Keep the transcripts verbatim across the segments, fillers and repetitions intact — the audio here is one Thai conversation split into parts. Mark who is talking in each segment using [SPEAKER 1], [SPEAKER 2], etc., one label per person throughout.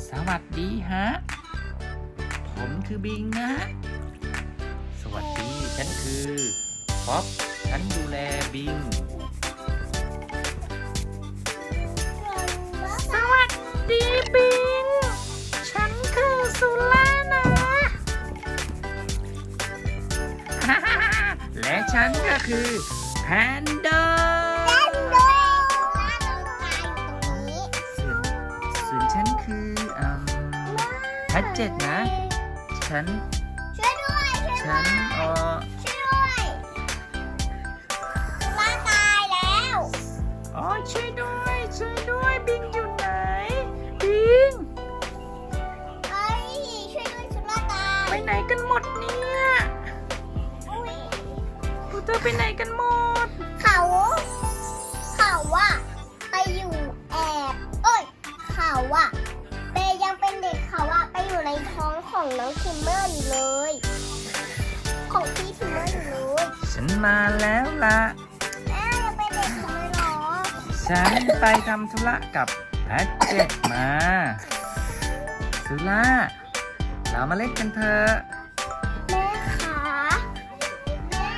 [SPEAKER 1] สวัสดีฮะผมคือบิงนะสวัสดีฉันคือป๊อปฉันดูแลบิงสวัสดีบิงฉันคือสุล่านะ และฉันก็คือแพนด้าส่วนฉันคืออืมแพทเจ็ดนะ ฉัน
[SPEAKER 2] ช่วยด้วยช่วย
[SPEAKER 1] ฉั
[SPEAKER 2] ด้
[SPEAKER 1] น
[SPEAKER 2] วย
[SPEAKER 1] เออ
[SPEAKER 2] ช่วยด้วยร่างกายแล้ว
[SPEAKER 1] อ๋อช่วยด้วยช่วยด้วยบิงอยู่ไหนบิง
[SPEAKER 2] เอ้ยช่วยด้วยชุดร่างกาย
[SPEAKER 1] ไปไหนกันหมดเนี่ย
[SPEAKER 2] อุ้ย
[SPEAKER 1] พวกเธอไปไหนกันหมด
[SPEAKER 2] เขาเขาว่าไปอยู่แอบเอ้ยเขาว่าเปยังเป็นเด็กเขาว่าไปอยู่ในท้องของน้องทิมเมอร์อยู่เลย ของพี่ทิมเมอร์อยู่เลย
[SPEAKER 1] ฉันมาแล้วล่ะ
[SPEAKER 2] แม่ยังเป็นเด็กเขาเลยเหรอ
[SPEAKER 1] ฉันไปทำธุระกับแพทเจ็ดมาสุล่าเรามาเล่นกันเถอะ
[SPEAKER 2] แม่ขาแม่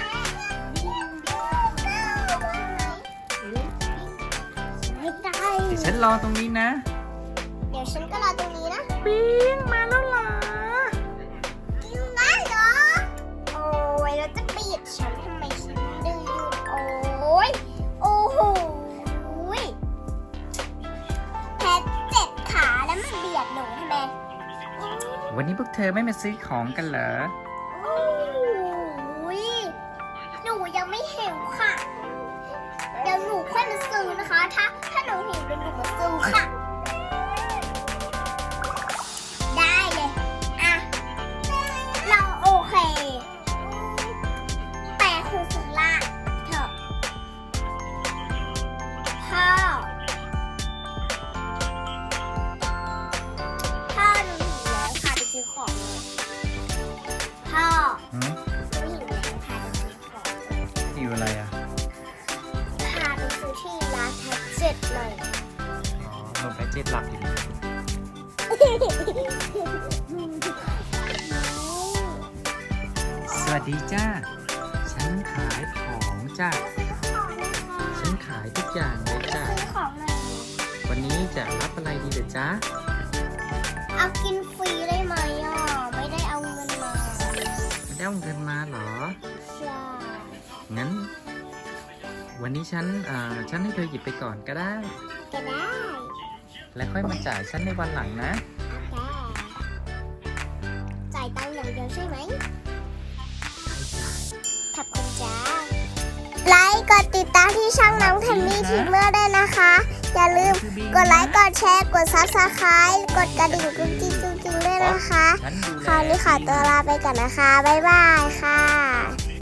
[SPEAKER 2] ไม่ได้
[SPEAKER 1] เดี๋ยวฉันรอตรงนี้นะ
[SPEAKER 2] เดี๋ยวฉันก็รอตรงนี้นะ
[SPEAKER 1] บิงมาแล้วเหรอ
[SPEAKER 2] กินได้เหรอ โอ้ยแล้วจะปิดฉันทำไมฉันดื้ออยู่โอ้ยโอ้โหยแพทเจ็ดขาแล้วมันเบียดหนูทำไม
[SPEAKER 1] วันนี้พวกเธอไม่มาซื้อของกันเหรอ
[SPEAKER 2] โอ้ยหนูยังไม่หิวค่ะ เดี๋ยวหนูค่อยมาซื้อนะคะ ถ้าถ้าหนูหิวเดี๋ยวหนูมาซื้อค่ะ ได้เลย อ่ะ เราโอเค แต่คือสุราเถอะพ่อพ่อหนูหิวแล้วพาไปซื้อของเลยพ่อ
[SPEAKER 1] หืม
[SPEAKER 2] หนูหิวแล้วพาไปซื้อของ
[SPEAKER 1] หิวอะไรอ่ะ
[SPEAKER 2] พาไปซื้อที่ร้านแท็กเจ็ดเลย
[SPEAKER 1] อ๋อลงไปเจ็ดหลับอยู่ สวัสดีจ้า ฉันขายของจ้า ฉันขายทุกอย่างเลยจ้า
[SPEAKER 2] ซื้อของหน่อย
[SPEAKER 1] วันนี้จะรับอะไรดีเด้อจ้า
[SPEAKER 2] เอากินฟรีได้ไหมอ่ะ ไม่ได้เอาเงินมา
[SPEAKER 1] ไม่ได้เอาเงินมาเหรอ
[SPEAKER 2] ใช่
[SPEAKER 1] งั้น วันนี้ฉันเอ่อฉันให้เธอหยิบไปก่อนก็ได้
[SPEAKER 2] ก็ได้
[SPEAKER 1] แล้วค่อยมาจ่ายฉันในวันหลังนะ
[SPEAKER 2] โอเคจ่ายตังค์อย่างเดียวใช่ไหม ขอบคุณจ้า ไลค์กดติดตามที่ช่องน้องเทมมี่ทีเมอร์ด้วยนะคะ อย่าลืมกดไลค์ กดแชร์ กดซับสไครต์กดกระดิ่งกุ๊กกิ๊กกุ๊กกิ๊กด้วยนะคะ
[SPEAKER 1] ฉันดูแล
[SPEAKER 2] คราวนี้ขอตัวลาไปก่อนนะคะ บ๊ายบายค่ะ